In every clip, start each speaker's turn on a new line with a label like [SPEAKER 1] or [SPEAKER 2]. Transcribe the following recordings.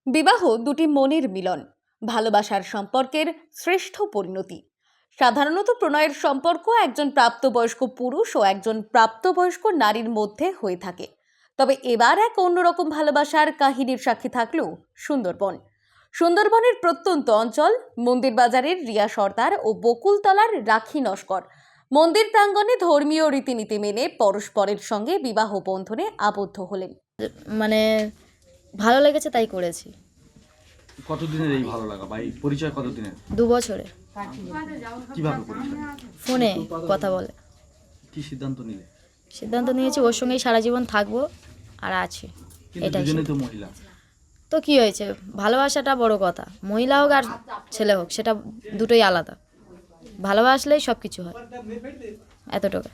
[SPEAKER 1] বিবাহ দুটি মনের মিলন, ভালোবাসার সম্পর্কের শ্রেষ্ঠ পরিণতি। সাধারণত প্রণয়ের সম্পর্ক একজন প্রাপ্তবয়স্ক পুরুষ ও একজন প্রাপ্তবয়স্ক নারীর মধ্যে হয়ে থাকে। তবে এবার এক অন্যরকম ভালোবাসার কাহিনীর সাক্ষী থাকলো সুন্দরবনের প্রত্যন্ত অঞ্চল মন্দির বাজারের রিয়া সর্দার ও বকুলতলার রাখি নস্কর মন্দির প্রাঙ্গণে ধর্মীয় রীতিনীতি মেনে পরস্পরের সঙ্গে বিবাহ বন্ধনে আবদ্ধ হলেন।
[SPEAKER 2] মানে ভালো লেগেছে তাই করেছি।
[SPEAKER 3] কতদিনের এই ভালো লাগা বা এই পরিচয় কতদিনের?
[SPEAKER 2] 2 বছরে।
[SPEAKER 3] কিভাবে পরিচয়?
[SPEAKER 2] ফোনে কথা বলে।
[SPEAKER 3] কি সিদ্ধান্ত নিলে?
[SPEAKER 2] সিদ্ধান্ত নিয়েছি ওর সঙ্গেই সারা জীবন থাকবো আর আছি।
[SPEAKER 3] কিন্তু
[SPEAKER 2] এটাই
[SPEAKER 3] দুজনেই তো মহিলা।
[SPEAKER 2] তো কি হয়েছে, ভালোবাসাটা বড় কথা। মহিলা হোক আর ছেলে হোক সেটা দুটোই আলাদা। ভালোবাসলেই সব কিছু হয়, এতটুকু।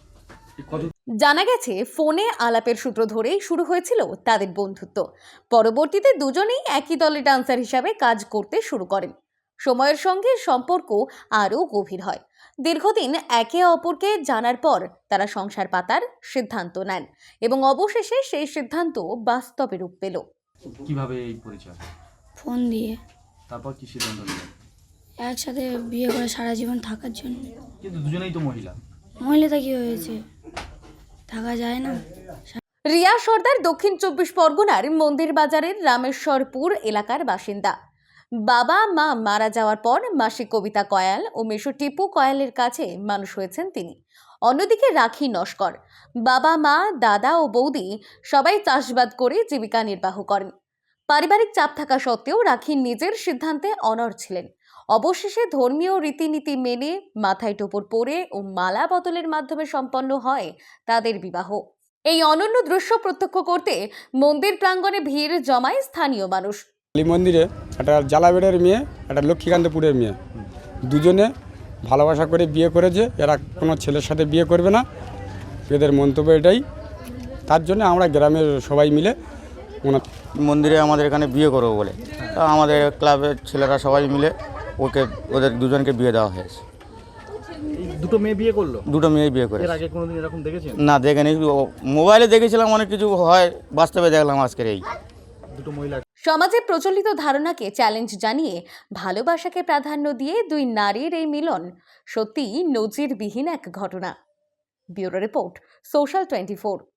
[SPEAKER 1] জানা গেছে ফোনে আলাপের সূত্র ধরেই শুরু হয়েছিল তাদের বন্ধুত্ব। পরবর্তীতে দুজনেই একই দলে ডান্সার হিসাবে কাজ করতে শুরু করেন। সময়ের সঙ্গে সম্পর্ক আরও গভীর হয়। দীর্ঘদিন একে অপরকে জানার পর তারা সংসার পাতার সিদ্ধান্ত নেন এবং অবশেষে সেই সিদ্ধান্ত বাস্তবে রূপ পেল।
[SPEAKER 3] কিভাবে এই পরিচয়?
[SPEAKER 4] ফোন দিয়ে।
[SPEAKER 3] তারপর কি সিদ্ধান্ত নিলেন?
[SPEAKER 4] একসাথে বিয়ে করে সারা জীবন থাকার জন্য।
[SPEAKER 3] কিন্তু দুজনেই তো মহিলা।
[SPEAKER 4] মহিলাটা কি হয়েছে, থাকা যায় না?
[SPEAKER 1] রিয়া সর্দার দক্ষিণ 24 পরগনার মন্দির বাজারের রামেশ্বরপুর এলাকার বাসিন্দা। বাবা মা মারা যাওয়ার পর মাসি কবিতা কয়াল ও মেশো টিপু কয়ালের কাছে মানুষ হয়েছেন তিনি। অন্যদিকে রাখি নস্কর, বাবা মা দাদা ও বৌদি সবাই চাষবাদ করে জীবিকা নির্বাহ করেন। পারিবারিক চাপ থাকা সত্ত্বেও রাখি নিজের সিদ্ধান্তে অনড় ছিলেন। অবশেষে ধর্মীয় রীতিনীতি মেনে মাথায় টোপর পরে ও মালা বদলের মাধ্যমে সম্পন্ন হয় তাদের বিবাহ। এই অনন্য দৃশ্য প্রত্যক্ষ করতে মন্দির প্রাঙ্গণে ভিড় জমায় স্থানীয় মানুষ।
[SPEAKER 5] কালী মন্দিরে একটা জালাবেড়ের মেয়ে, একটা লক্ষ্মীকান্তপুরের মেয়ে, দুজনে ভালোবাসা করে বিয়ে করেছে। এরা কোনো ছেলের সাথে বিয়ে করবে না, এদের মন্তব্য এটাই। তার জন্য আমরা গ্রামের সবাই মিলে
[SPEAKER 6] মন্দিরে আমাদের এখানে বিয়ে করবো বলে তা আমাদের ক্লাবের ছেলেরা সবাই মিলে ওদের দুজনকে বিয়ে দেওয়া হয়েছে।
[SPEAKER 3] দুটো মেয়ে বিয়ে করলো?
[SPEAKER 6] দুটো মেয়ে বিয়ে করে।
[SPEAKER 3] এর আগে কোনোদিন এরকম দেখেছেন?
[SPEAKER 6] না, দেখেনি। মোবাইলে দেখেছিলাম অনেক কিছু হয়, বাস্তবে দেখলাম আজকের এই
[SPEAKER 3] দুটো মহিলা।
[SPEAKER 1] সমাজে প্রচলিত ধারণাকে চ্যালেঞ্জ জানিয়ে ভালোবাসাকে প্রাধান্য দিয়ে দুই নারীর এই মিলন সত্যিই নজিরবিহীন এক ঘটনা। Bureau report, social 24।